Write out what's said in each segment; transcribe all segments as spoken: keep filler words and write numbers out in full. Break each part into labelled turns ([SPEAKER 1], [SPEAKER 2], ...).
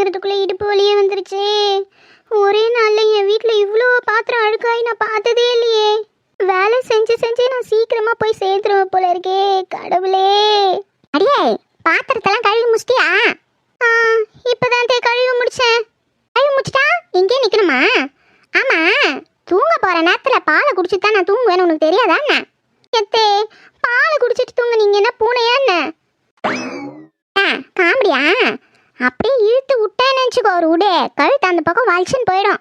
[SPEAKER 1] சமைக்கிறதுக்குள்ளே இடுப்பு வலியே வந்துருச்சு. ஒரே நாளில் என் வீட்டில் இவ்வளோ பாத்திரம் அழுக்காய் நான் பார்த்ததே இல்லையே. வேலை செஞ்சு செஞ்சு நான் சீக்கிரமாக போய் சேர்த்துருவேன் போல இருக்கே. கடவுளே. அடியே, பாத்திரத்தெல்லாம் கழுவி முடிச்சிட்டியா? ஆ, இப்போதான் தே கழுவி முடிச்சேன். கழுவி முடிச்சிட்டா இங்கே நிற்கணுமா? ஆமாம், தூங்க போகிற நேரத்தில் பாலை குடிச்சிட்டு தான் நான் தூங்குவேன்னு உனக்கு தெரியாதா என்ன? எத்தே, பாலை குடிச்சிட்டு தூங்க நீங்கள் என்ன பூனையா என்ன? ஆ, காமெடியா? அப்படியே இழுத்து விட்டேன்னு நினச்சிக்கோ, ஒரு உடே கழுத்து அந்த பக்கம் வலிச்சுன்னு போயிடும்.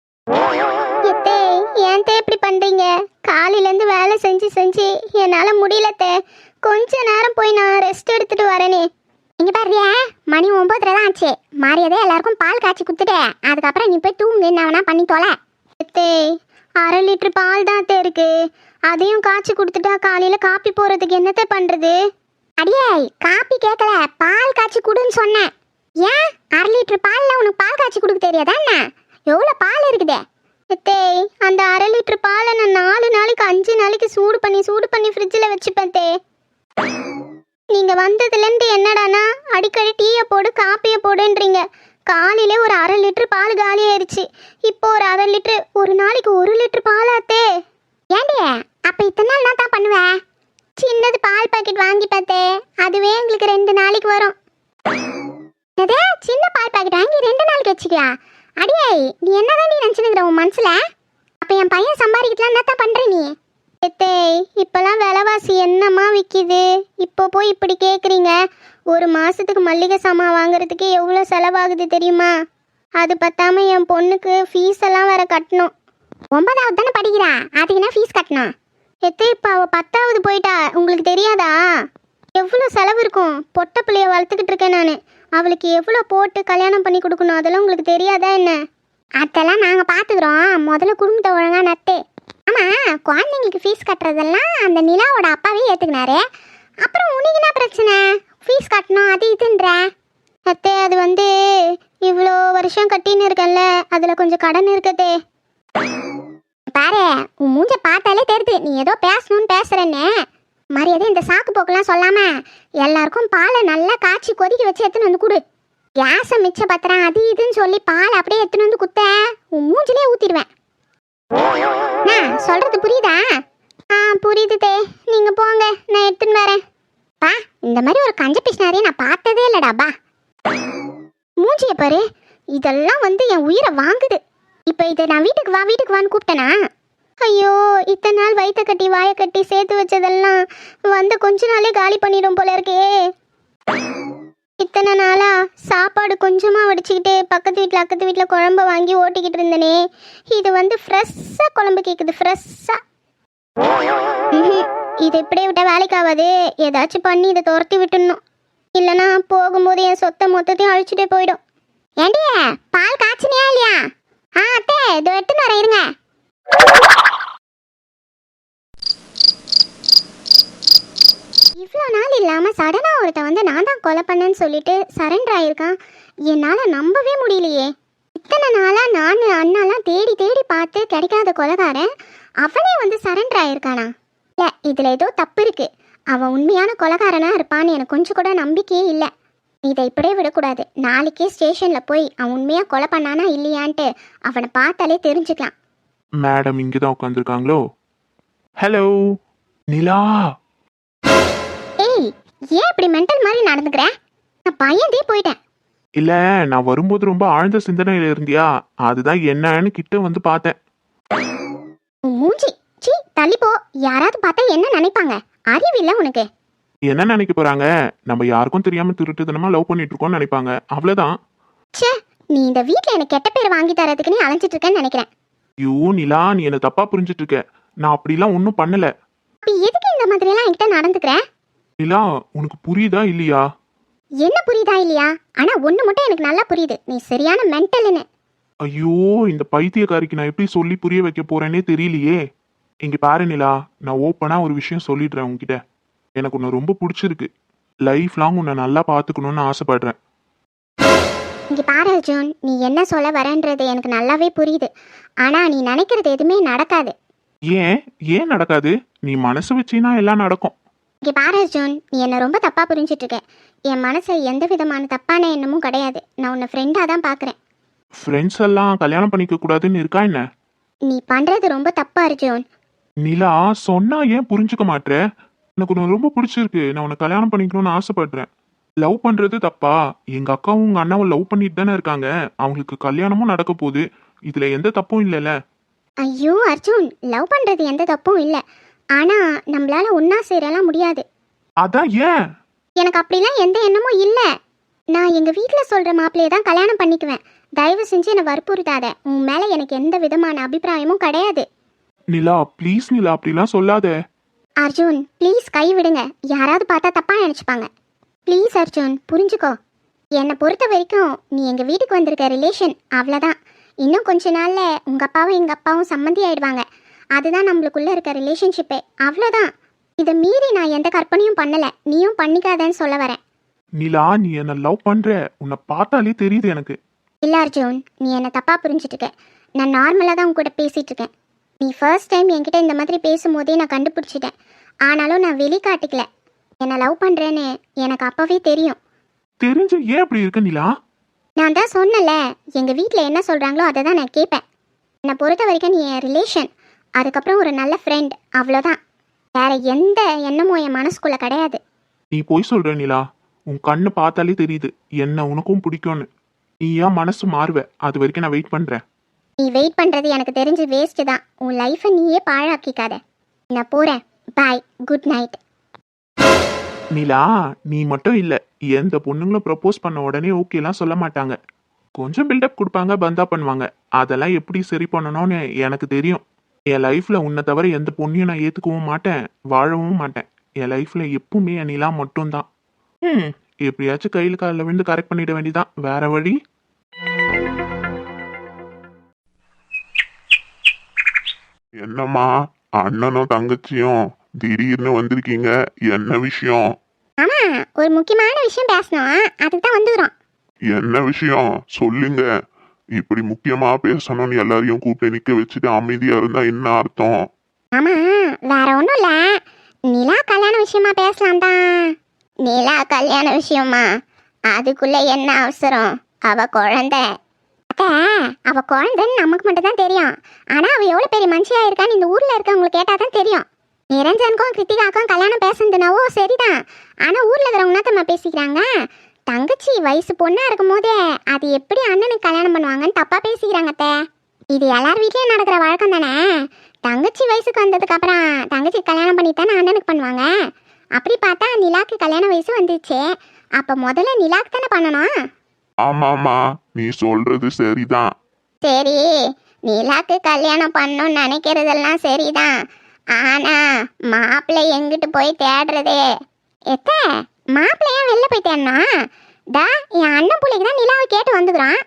[SPEAKER 1] எத்தே, ஏன் தே இப்படி பண்ணுறீங்க? காலையிலேருந்து வேலை செஞ்சு செஞ்சு என்னால் முடியலத்தே. கொஞ்ச நேரம் போய் நான் ரெஸ்ட் எடுத்துகிட்டு வரேனே. இங்கே பாருறியா, மணி ஒம்பதரை தான் ஆச்சு. மாறியதே எல்லாருக்கும் பால் காய்ச்சி கொடுத்துட்டு அதுக்கப்புறம் நீ போய் தூங்கு, என்ன வேணா பண்ணி தொலை. எத்தே, அரை லிட்டரு பால் தான் அத்தே இருக்கு. அதையும் காய்ச்சி கொடுத்துட்டா காலையில் காப்பி போகிறதுக்கு என்னத்தை பண்ணுறது? அடியே, காப்பி கேட்கல, பால் காய்ச்சி கொடுன்னு சொன்னேன். ஏன் அரை லிட்டரு பாலில் உனக்கு பால் காய்ச்சி கொடுக்க தெரியாதா என்ன? எவ்வளோ பால் இருக்குதே? எத்தே, அந்த அரை லிட்டரு பாலை நான் நாலு நாளைக்கு அஞ்சு நாளைக்கு சூடு பண்ணி சூடு பண்ணி ஃப்ரிட்ஜில் வச்சுப்பேன் தே. நீங்கள் வந்ததுலேருந்து என்னடானா அடிக்கடி டீயை போடு காப்பியை போடுன்றீங்க. காலையிலே ஒரு அரை லிட்டரு பால் காலி ஆயிடுச்சு. இப்போ ஒரு அரை லிட்டரு, ஒரு நாளைக்கு ஒரு லிட்டரு பாலாத்தே. ஏண்டிய, அப்போ இத்தனை நாள் நான் தான் பண்ணுவேன். சின்னது பால் பாக்கெட் வாங்கி பார்த்தே, அதுவே எங்களுக்கு ரெண்டு நாளைக்கு வரும். அதே சின்ன பால் பாக்கெட் வாங்கி ரெண்டு நாளைக்கு வச்சுக்கியா? அடியே, நீ என்னதான் நீ நினச்சினுங்கிற உன் மனசில்? அப்போ என் பையன் சம்பாதிக்கலாம் என்ன தான் பண்ணுற நீ? எத்தே, இப்போல்லாம் விலைவாசி என்னம்மா விற்கிது? இப்போ போய் இப்படி கேட்குறீங்க. ஒரு மாதத்துக்கு மல்லிகை சாமான் வாங்குறதுக்கு எவ்வளோ செலவாகுது தெரியுமா? அது பத்தாம என் பொண்ணுக்கு ஃபீஸ் எல்லாம் வேற கட்டணும். ஒன்பதாவது தானே படிக்கிறா, அதுக்கு என்ன ஃபீஸ் கட்டணும்? எத்தே, இப்போ அவள் பத்தாவது போயிட்டா, உங்களுக்கு தெரியாதா? எவ்வளோ செலவு இருக்கும். பொட்டை பிள்ளைய வளர்த்துக்கிட்டு இருக்கேன் நான். அவளுக்கு எவ்வளோ போட்டு கல்யாணம் பண்ணி கொடுக்கணும், அதெல்லாம் உங்களுக்கு தெரியாதா என்ன? அதெல்லாம் நாங்கள் பார்த்துக்குறோம். முதல்ல குடும்பத்தை ஒழுங்கா நட்டு. ஆமாம், குழந்தைங்களுக்கு ஃபீஸ் கட்டுறதெல்லாம் அந்த நிலாவோட அப்பாவே ஏற்றுக்கினாரு. அப்புறம் உனக்கு என்ன பிரச்சனை? ஃபீஸ் கட்டணும் அது இதுன்ற. அத்தே, அது வந்து இவ்வளோ வருஷம் கட்டின்னு இருக்கேன்ல, அதில் கொஞ்சம் கடன் இருக்குதே. பாரு, உன் மூஞ்ச பார்த்தாலே தெரியுது நீ ஏதோ பேசணும்னு பேசுகிறேன்னு. மரியாதை இந்த சாக்கு போக்கெல்லாம் சொல்லாமல் எல்லாருக்கும் பாலை நல்லா காய்ச்சி கொதிக்க வச்சு எடுத்துன்னு வந்து கொடு. கேஸை மிச்ச பத்திரம் அது இதுன்னு சொல்லி பால் அப்படியே எடுத்துன்னு வந்து குத்த உன் மூஞ்சிலே ஊற்றிடுவேன். நான் சொல்கிறது புரியுதா? ஆ, புரியுது தே, நீங்கள் போங்க, நான் எடுத்துன்னு வரேன். பா, இந்த மாதிரி ஒரு கஞ்ச பிஷ்னாரியை நான் பார்த்ததே இல்லைடாப்பா. மூஞ்சியை பாரு, இதெல்லாம் வந்து என் உயிரை வாங்குது. இப்போ இதை நான் வீட்டுக்கு வா வீட்டுக்கு வான்னு கூப்பிட்டேனா? ஐயோ, இத்தனை நாள் வயிற்ற கட்டி வாயை கட்டி சேர்த்து வச்சதெல்லாம் வந்து கொஞ்ச நாளே காலி பண்ணிடும் போல இருக்கே. இத்தனை நாளா சாப்பாடு கொஞ்சமாக வடிச்சுக்கிட்டு பக்கத்து வீட்டில் அக்கத்து வீட்டில் குழம்பு வாங்கி ஓட்டிக்கிட்டு இருந்தேனே, இது வந்து ஃப்ரெஷ்ஷாக குழம்பு கேட்குது, ஃப்ரெஷ்ஷாக. இது இப்படியே விட்டால் வேலைக்கு ஆகாது. ஏதாச்சும் பண்ணி இதை துரத்தி விட்டுடணும். இல்லைனா போகும்போது என் சொத்தை மொத்தத்தையும் அழிச்சுட்டே போயிடும். ஏண்டிய, பால் காய்ச்சினியா இல்லையா? ஆ அத்தே, இதோ எடுத்துன்னு வரேன் இருங்க. இவ்வளோ நாள் இல்லாமல் சடனாக ஒருத்த வந்து நான் தான் கொலை பண்ணேன்னு சொல்லிட்டு சரண்டர் ஆகியிருக்கான். என்னால் நம்பவே முடியலையே. இத்தனை நாளாக நான் அண்ணாலாம் தேடி தேடி பார்த்து கிடைக்காத கொலைகாரன் அவனே வந்து சரண்டர் ஆகியிருக்கானா? இல்லை, இதில் ஏதோ தப்பு இருக்குது. அவன் உண்மையான கொலைகாரனாக இருப்பான்னு எனக்கு கொஞ்சம் கூட நம்பிக்கையே இல்லை. இதை இப்படியே விடக்கூடாது. நாளைக்கே ஸ்டேஷனில் போய் அவன் உண்மையாக கொலை பண்ணானா இல்லையான்ட்டு அவனை பார்த்தாலே தெரிஞ்சுக்கலாம்.
[SPEAKER 2] மேடம் இங்கே தான் உட்காந்துருக்காங்களோ? ஹலோ நிலா.
[SPEAKER 1] ஏய், ஏன் இப்படி மென்டல் மாதிரி நடந்துக்கிற? நான் பயந்தே போயிட்டேன்.
[SPEAKER 2] இல்லை, நான் வரும்போது ரொம்ப ஆழ்ந்த சிந்தனையில் இருந்தியா, அதுதான் என்னன்னு கிட்ட வந்து பார்த்தேன்.
[SPEAKER 1] மூஞ்சி சீ, தள்ளிப்போ. யாராவது பார்த்தா என்ன நினைப்பாங்க? அறிவில்லை உனக்கு?
[SPEAKER 2] என்ன நினைக்க போறாங்க? நம்ம யாருக்கும் தெரியாம திருட்டுத்தனமா லவ் பண்ணிட்டு இருக்கோம்னு நினைப்பாங்க, அவ்வளவுதான்.
[SPEAKER 1] ச்சே, நீ இந்த வீட்டில் எனக்கு கெட்ட பேர் வாங்கி தரதுக்கு நீ அலைஞ்சிட்டு இருக்கேன்னு நினைக்கிறேன்.
[SPEAKER 2] ஐயோ நிலா, நீ என்ன தப்பா புரிஞ்சிட்டு இருக்க. நான் அப்படிலாம் ஒன்றும் பண்ணல.
[SPEAKER 1] அப்ப எதுக்கு இந்த மாதிரி எல்லாம் என்கிட்ட நடந்துக்கிற?
[SPEAKER 2] நிலா, உனக்கு புரியுதா இல்லையா?
[SPEAKER 1] என்ன புரியுதா இல்லையா? ஆனா ஒண்ணு மட்டும் எனக்கு நல்லா புரியுது, நீ சரியான மென்டல்னு.
[SPEAKER 2] ஐயோ, இந்த பைத்தியக்காரிக்கு நான் எப்படி சொல்லி புரிய வைக்க போறேன்னே தெரியலையே. இங்க பாரு நிலா, நான் ஓப்பனா ஒரு விஷயம் சொல்லிடுறேன் உன்கிட்ட. எனக்கு உன்னை ரொம்ப பிடிச்சிருக்கு. லைஃப் லாங் உன்னை நல்லா பார்த்துக்கணும்னு ஆசைப்படுறேன்.
[SPEAKER 1] இங்க பாரு அர்ஜுன், நீ என்ன சொல்ல வரன்றது எனக்கு நல்லாவே புரியுது. ஆனா நீ நினைக்கிறது எதுவுமே நடக்காது.
[SPEAKER 2] ஏன் ஏன் நடக்காது? நீ மனசு வச்சினா எல்லாம் நடக்கும்.
[SPEAKER 1] இங்க பாரு அர்ஜுன், நீ என்ன ரொம்ப தப்பா புரிஞ்சிட்டு இருக்க. என் மனசை எந்த விதமான தப்பான எண்ணமும் கிடையாது. நான் உன்னை ஃப்ரெண்டாக தான் பார்க்குறேன்.
[SPEAKER 2] ஃப்ரெண்ட்ஸ் எல்லாம் கல்யாணம் பண்ணிக்க கூடாதுன்னு இருக்கா என்ன?
[SPEAKER 1] நீ பண்ணுறது ரொம்ப தப்பா அர்ஜுன்.
[SPEAKER 2] நிலா, சொன்னா ஏன் புரிஞ்சுக்க மாட்ற? எனக்கு உன்னை ரொம்ப பிடிச்சிருக்கு. நான் உன்னை கல்யாணம் பண்ணிக்கணும்னு ஆசைப்படுறேன். லவ் பண்றது தப்பா? எங்க அக்காவும் உங்க அண்ணாவும் லவ் பண்ணிட்டு தானே இருக்காங்க. அவங்களுக்கு கல்யாணமும் நடக்க போகுது. இதுல எந்த தப்பும் இல்லைல்ல?
[SPEAKER 1] ஐயோ அர்ஜுன், லவ் பண்ணுறது எந்த தப்பும் இல்லை. ஆனால் நம்மளால ஒன்றா சேரலாம் முடியாது.
[SPEAKER 2] அதான் ஏன்?
[SPEAKER 1] எனக்கு அப்படிலாம் எந்த எண்ணமும் இல்லை. நான் எங்கள் வீட்டில் சொல்கிற மாப்பிள்ளையை தான் கல்யாணம் பண்ணிக்குவேன். தயவு செஞ்சு என்னை வற்புறுத்தாத. உன் மேலே எனக்கு எந்த விதமான அபிப்பிராயமும் கிடையாது.
[SPEAKER 2] நிலா ப்ளீஸ் நிலா, அப்படிலாம் சொல்லாத.
[SPEAKER 1] அர்ஜுன் ப்ளீஸ் கை விடுங்க. யாராவது பார்த்தா தப்பாக நினச்சிப்பாங்க. ப்ளீஸ் அர்ஜுன் புரிஞ்சுக்கோ. என்னை பொறுத்த வரைக்கும் நீ எங்கள் வீட்டுக்கு வந்திருக்க ரிலேஷன், அவ்வளோதான். இன்னும் கொஞ்ச நாளில் உங்கள் அப்பாவும் எங்கள் அப்பாவும் சம்மந்தி ஆயிடுவாங்க. அதுதான் நம்மளுக்குள்ளே இருக்க ரிலேஷன்ஷிப்பே, அவ்வளோதான். இதை மீறி நான் எந்த கற்பனையும் பண்ணலை. நீயும் பண்ணிக்காதேன்னு சொல்ல வரேன்.
[SPEAKER 2] நிலா, நீ என்ன லவ் பண்ற. உன்னை பார்த்தாலே தெரியுது எனக்கு.
[SPEAKER 1] இல்லை அர்ஜுன், நீ என்னை தப்பாக புரிஞ்சுட்டுருக்க. நான் நார்மலாக தான் உன் கூட பேசிகிட்டு இருக்கேன். நீ ஃபர்ஸ்ட் டைம் என்கிட்ட இந்த மாதிரி பேசும்போதே நான் கண்டுபிடிச்சிட்டேன். ஆனாலும் நான் வெளிக்காட்டிக்கல. என்னை லவ் பண்ணுறேன்னு எனக்கு அப்போவே தெரியும்.
[SPEAKER 2] தெரிஞ்ச ஏன் அப்படி இருக்க நிலா?
[SPEAKER 1] நான் தான் சொன்னல, எங்கள் வீட்டில் என்ன சொல்கிறாங்களோ அதை தான் நான் கேட்பேன். என்னை பொறுத்த வரைக்கும் நீ என் ரிலேஷன், அதுக்கப்புறம் ஒரு நல்ல ஃப்ரெண்ட், அவ்வளோதான். வேற எந்த எண்ணமும் என் மனசுக்குள்ளே கிடையாது.
[SPEAKER 2] நீ போய் சொல்ற நிலா. உன் கண்ணு பார்த்தாலே தெரியுது என்ன உனக்கும் பிடிக்கும்னு. நீ ஏன் மனசு மாறுவ? அது வரைக்கும் நான் வெயிட் பண்றேன்.
[SPEAKER 1] நீ வெயிட் பண்ணுறது எனக்கு தெரிஞ்சு வேஸ்ட்டு தான். உன் லைஃப்பை நீயே பாழாக்கிக்காத. நான் போகிறேன். பாய், குட் நைட்.
[SPEAKER 2] நிலா, நீ மட்டும் இல்ல, எந்த பொண்ணுங்களும் ப்ரப்போஸ் பண்ண உடனே ஓகேலாம் சொல்ல மாட்டாங்க. கொஞ்சம் பில்டப் கொடுப்பாங்க, பந்தா பண்ணுவாங்க. அதெல்லாம் எப்படி சரி பண்ணணும்னு எனக்கு தெரியும். என் லைஃப்ல உன்னை தவிர எந்த பொண்ணையும் நான் ஏத்துக்கவும் மாட்டேன், வாழவும் மாட்டேன். என் லைஃப்ல எப்பவுமே என் நிலா மட்டும்தான். ம் எப்படியாச்சும் கையில் காலில் விழுந்து கரெக்ட் பண்ணிட வேண்டியதான். வேற வழி?
[SPEAKER 3] என்னம்மா, அண்ணனும் தங்கச்சியும் திடீர்னு வந்திருக்கீங்க, என்ன விஷயம்?
[SPEAKER 1] ஆமாம், ஒரு முக்கியமான விஷயம் பேசணும், அதுக்கு தான் வந்துக்கிறோம்.
[SPEAKER 3] என்ன விஷயம் சொல்லுங்க. இப்படி முக்கியமா பேசணும்னு எல்லாரையும் கூப்பிட்டு நிக்க வச்சுட்டு அமைதியா இருந்தா என்ன அர்த்தம்?
[SPEAKER 1] ஆமாம், வேற ஒன்றும் இல்லை. நிலா கல்யாண விஷயமா பேசலாம் தான். நிலா கல்யாண விஷயமா? அதுக்குள்ள என்ன அவசரம்? அவ குழந்தை. அத்தை, அவ குழந்தைன்னு நமக்கு மட்டும் தான் தெரியும். ஆனால் அவள் எவ்வளோ பெரிய மனுஷியாக இருக்கான்னு இந்த ஊரில் இருக்கவங்களுக்கு கேட்டால் தான் தெரியும். நிரஞ்சனுக்கும் கிருத்திகாக்கும் கல்யாணம் பேசுனதுனாவோ சரிதான். ஆனால் ஊரில் இருக்கிறவங்க நம்ம பேசிக்கிறாங்க. தங்கச்சி வயசு பொண்ணாக இருக்கும் போதே அது எப்படி அண்ணனுக்கு கல்யாணம் பண்ணுவாங்கன்னு தப்பாக பேசிக்கிறாங்க அத்தை. இது எல்லார் வீட்லேயும் நடக்கிற வழக்கம் தானே. தங்கச்சி வயசுக்கு வந்ததுக்கு அப்புறம் தங்கச்சி கல்யாணம் பண்ணித்தானே அண்ணனுக்கு பண்ணுவாங்க. அப்படி பார்த்தா நிலாக்கு கல்யாண வயசு வந்துச்சு. அப்போ முதல்ல நிலாக்கு தானே பண்ணணும்.
[SPEAKER 3] ஆமாமா, நீ சொல்றது சரிதான்.
[SPEAKER 1] சரி, நிலாக்கு கல்யாணம் பண்ணணும்னு நினைக்கிறதெல்லாம் சரிதான். ஆனா மாப்பிள்ளை எங்கிட்டு போய் தேடுறதே? எத்த மாப்பிள்ளையா வெளில போய் தேடணும். டா, என் அண்ணன் பிள்ளைக்கு தான் நிலாவை கேட்டு வந்துக்கிறான்.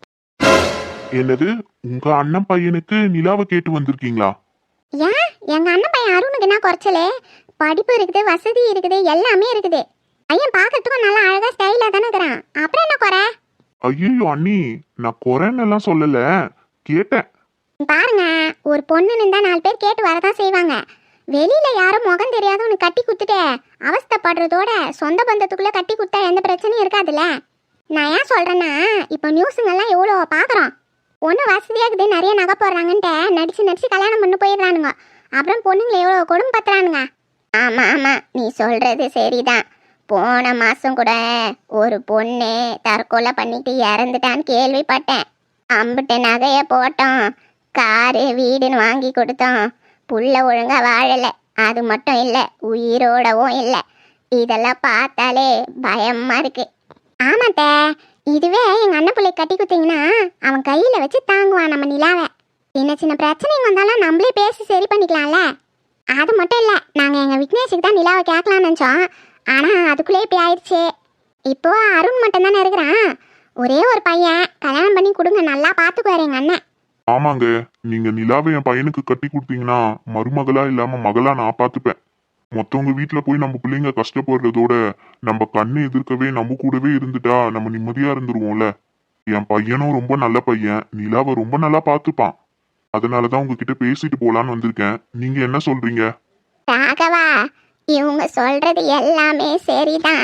[SPEAKER 3] என்னது, உங்க அண்ணன் பையனுக்கு நிலாவை கேட்டு வந்திருக்கீங்களா?
[SPEAKER 1] ஏன், எங்க அண்ணன் பையன் அருணுக்கு என்ன குறைச்சலே? படிப்பு இருக்குது, வசதி இருக்குது, எல்லாமே இருக்குது. பையன் பார்க்கறதுக்கும் நல்லா அழகா ஸ்டைலா தானே இருக்கிறான். அப்புறம் என்ன குறை?
[SPEAKER 3] ஐயோ அண்ணி, நான் குறைன்னு எல்லாம் சொல்லல, கேட்டேன்.
[SPEAKER 1] பாருங்க, ஒரு பொண்ணுன்னு இருந்தா நாலு பேர் கேட்டு வரதான் செய்வாங்க. வெளியில யாரும் முகம் தெரியாதவனு கட்டி குத்துட்டு அவஸ்தைப்படுறதோட சொந்த பந்தத்துக்குள்ள கட்டி குத்தா எந்த பிரச்சனையும் இருக்காதுல்ல. நான் ஏன் சொல்றேன்னா, இப்போ நியூஸுங்கெல்லாம் எவ்வளோ பார்க்குறோம். ஒன்று வசதியாக இருக்குது, நிறைய நகை போடுறாங்கன்ட்டு நடிச்சு நடிச்சு கல்யாணம் பண்ணி போயிடுறானுங்க. அப்புறம் பொண்ணுங்களை எவ்வளோ கொடுமை பத்துறானுங்க. ஆமாம் ஆமாம், நீ சொல்றது சரிதான். போன மாதம் கூட ஒரு பொண்ணு தற்கொலை பண்ணிட்டு இறந்துட்டான்னு கேள்விப்பட்டேன். அம்பிட்டு நகையை போட்டோம், காரு வீடுன்னு வாங்கி கொடுத்தோம், புள்ள ஒழுங்கா வாழலை. அது மட்டும் இல்லை, உயிரோடவும் இல்லை. இதெல்லாம் பார்த்தாலே பயமா இருக்கு. ஆமாத்த, இதுவே எங்கள் அண்ணன் பிள்ளை கட்டி கொடுத்தீங்கன்னா அவன் கையில் வச்சு தாங்குவான் நம்ம நிலாவை. சின்ன சின்ன பிரச்சனைங்க வந்தாலும் நம்மளே பேசி சரி பண்ணிக்கலாம்ல. அது மட்டும் இல்லை, நாங்கள் எங்கள் விக்னேஷுக்கு தான் நிலாவை கேட்கலான்னு நினச்சோம். ஆனால் அதுக்குள்ளே இப்படி ஆயிடுச்சு. இப்போ அருண் மட்டும் தானே இருக்கிறான். ஒரே ஒரு பையன், கல்யாணம் பண்ணி கொடுங்க, நல்லா பார்த்துக்குவார் எங்கள் அண்ணன்.
[SPEAKER 3] ஆமாங்க, நீங்க நிலாவை என் பையனுக்கு கட்டி கொடுத்தீங்கன்னா மருமகளா இல்லாம மகளா நான் பார்த்துப்பேன். மொத்தவங்க வீட்டுல போய் நம்ம பிள்ளைங்க கஷ்டப்படுறதோட நம்ம கண்ணு எதிர்க்கவே நம்ம கூடவே இருந்துட்டா நம்ம நிம்மதியா இருந்துருவோம்ல. என் பையனும் ரொம்ப நல்ல பையன், நிலாவை ரொம்ப நல்லா பார்த்துப்பான். அதனாலதான் உங்ககிட்ட பேசிட்டு போலான்னு வந்திருக்கேன். நீங்க என்ன சொல்றீங்க?
[SPEAKER 1] ராகவா, இவங்க சொல்றது எல்லாமே சரிதான்.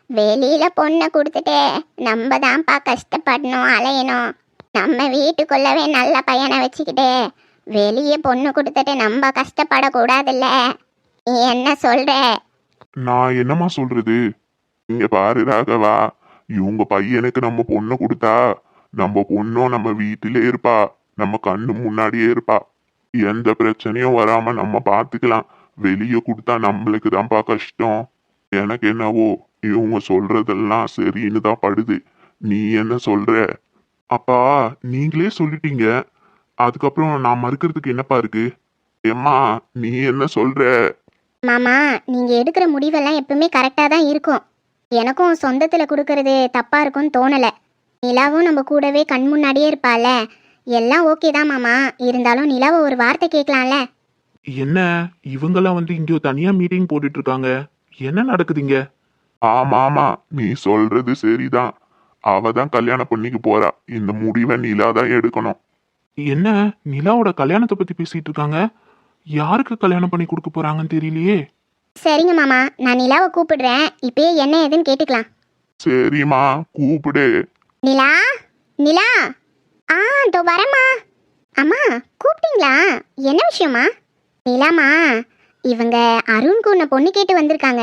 [SPEAKER 1] வெளியில பொண்ணை கொடுத்துட்டு நம்ம தான்ப்பா கஷ்டப்படணும் அலையணும். நம்ம வீட்டுக்குள்ளவே நல்ல பையனை வச்சுக்கிட்டு வெளியே பொண்ணு கொடுத்துட்டு நம்ம கஷ்டப்படக்கூடாதுல்ல. நீ என்ன சொல்ற?
[SPEAKER 3] நான் என்னம்மா சொல்றது? இங்க பாரு ராகவா, இவங்க பையனுக்கு நம்ம பொண்ணு கொடுத்தா நம்ம பொண்ணும் நம்ம வீட்டிலே இருப்பா, நம்ம கண்ணு முன்னாடியே இருப்பா. எந்த பிரச்சனையும் வராம நம்ம பாத்துக்கலாம். வெளியே கொடுத்தா நம்மளுக்கு தான்ப்பா கஷ்டம். எனக்கு என்னவோ இவங்க சொல்றதெல்லாம் சரின்னு தான் படுது. நீ என்ன சொல்ற?
[SPEAKER 2] அப்பா நீங்களே சொல்லிட்டீங்க, அதுக்கப்புறம் நான் மறுக்கிறதுக்கு என்னப்பா இருக்கு?
[SPEAKER 3] ஏம்மா நீ என்ன சொல்ற?
[SPEAKER 1] மாமா, நீங்க எடுக்கிற முடிவெல்லாம் எப்பவுமே கரெக்டா தான் இருக்கும். எனக்கும் சொந்தத்துல கொடுக்கறது தப்பா இருக்கும்னு தோணல. நிலாவும் நம்ம கூடவே கண் முன்னாடியே இருப்பால, எல்லாம் ஓகே தான் மாமா. இருந்தாலும் நிலாவை ஒரு வார்த்தை கேட்கலாம்ல.
[SPEAKER 2] என்ன இவங்கெல்லாம் வந்து இங்கே தனியா மீட்டிங் போட்டுட்டு இருக்காங்க, என்ன நடக்குதுங்க?
[SPEAKER 3] ஆமா ஆமா, நீ சொல்றது சரிதான். அவ தான் கல்யாணம் பண்ணிக்க போறா. இந்த முடிவை நிலா தான் எடுக்கணும்.
[SPEAKER 2] என்ன நிலாவோட கல்யாணத்தை பத்தி பேசிட்டு இருக்காங்க? யாருக்கு கல்யாணம் பண்ணி கொடுக்க போறாங்கன்னு தெரியலையே.
[SPEAKER 1] சரிங்க மாமா, நான் நிலாவை கூப்பிடுறேன். இப்பயே என்ன ஏதுன்னு கேட்டுக்கலாம்.
[SPEAKER 3] சரிம்மா, கூப்பிடு.
[SPEAKER 1] நிலா, நிலா. ஆ தோ வரேம்மா. அம்மா கூப்பிட்டீங்களா? என்ன விஷயமா? நிலாமா, இவங்க அருண்க்கு உன்னை பொண்ணு கேட்டு வந்திருக்காங்க.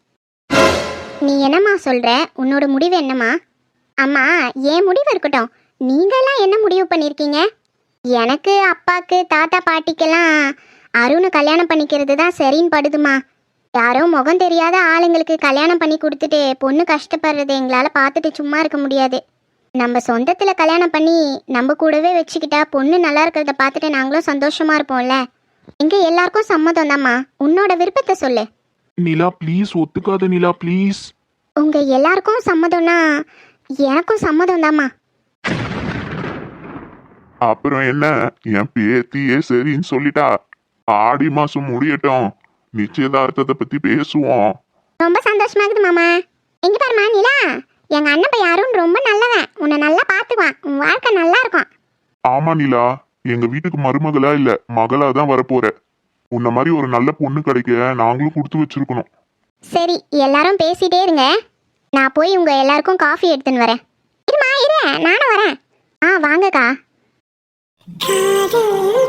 [SPEAKER 1] நீ என்னம்மா சொல்ற? உன்னோட முடிவு என்னம்மா? அம்மா, என் முடிவு இருக்கட்டும், நீங்கெல்லாம் என்ன முடிவு பண்ணியிருக்கீங்க? எனக்கு அப்பாக்கு தாத்தா பாட்டிக்கெல்லாம் அருணை கல்யாணம் பண்ணிக்கிறது தான் சரின்னு படுதுமா. யாரோ முகம் தெரியாத ஆளுங்களுக்கு கல்யாணம் பண்ணி கொடுத்துட்டு பொண்ணு கஷ்டப்படுறது எங்களால் பார்த்துட்டு சும்மா இருக்க முடியாது. நம்ம சொந்தத்தில் கல்யாணம் பண்ணி நம்ம கூடவே வச்சுக்கிட்டா பொண்ணு நல்லா இருக்கிறத பார்த்துட்டு நாங்களும் சந்தோஷமா இருப்போம்ல. எங்க எல்லாருக்கும் சம்மதம் தாம்மா. உன்னோட விருப்பத்தை சொல்லு.
[SPEAKER 2] நிலா ப்ளீஸ், ஒத்துக்காத நிலா ப்ளீஸ்.
[SPEAKER 1] உங்க எல்லாருக்கும் சம்மதம்னா எனக்கும் சம்மதம் தாம்மா.
[SPEAKER 3] அப்புறம் என்ன, என் பேத்தியே சரின்னு சொல்லிட்டா. ஆடி மாசம் முடியட்டும், நிச்சயதார்த்தத்தை பத்தி பேசுவோம்.
[SPEAKER 1] ரொம்ப சந்தோஷமா இருக்குது மாமா. எங்க பாருமா நிலா, எங்க அண்ணன் பையன் அருண் ரொம்ப நல்லவன். உன்னை நல்லா பார்த்துக்குவான். உன் வாழ்க்கை நல்லா இருக்கும்.
[SPEAKER 3] ஆமா நிலா, எங்க வீட்டுக்கு மருமகளா இல்ல மகளா தான் வரப்போற. உன்ன மாதிரி ஒரு நல்ல பொண்ணு கிடைக்க நாங்களும் கொடுத்து வச்சிருக்கணும்.
[SPEAKER 1] சரி, எல்லாரும் பேசிட்டே இருங்க. நான் போய் உங்க எல்லாருக்கும் காஃபி எடுத்துன்னு வரேன். இருமா இரு, நானும் வரேன். ஆ வாங்கக்கா.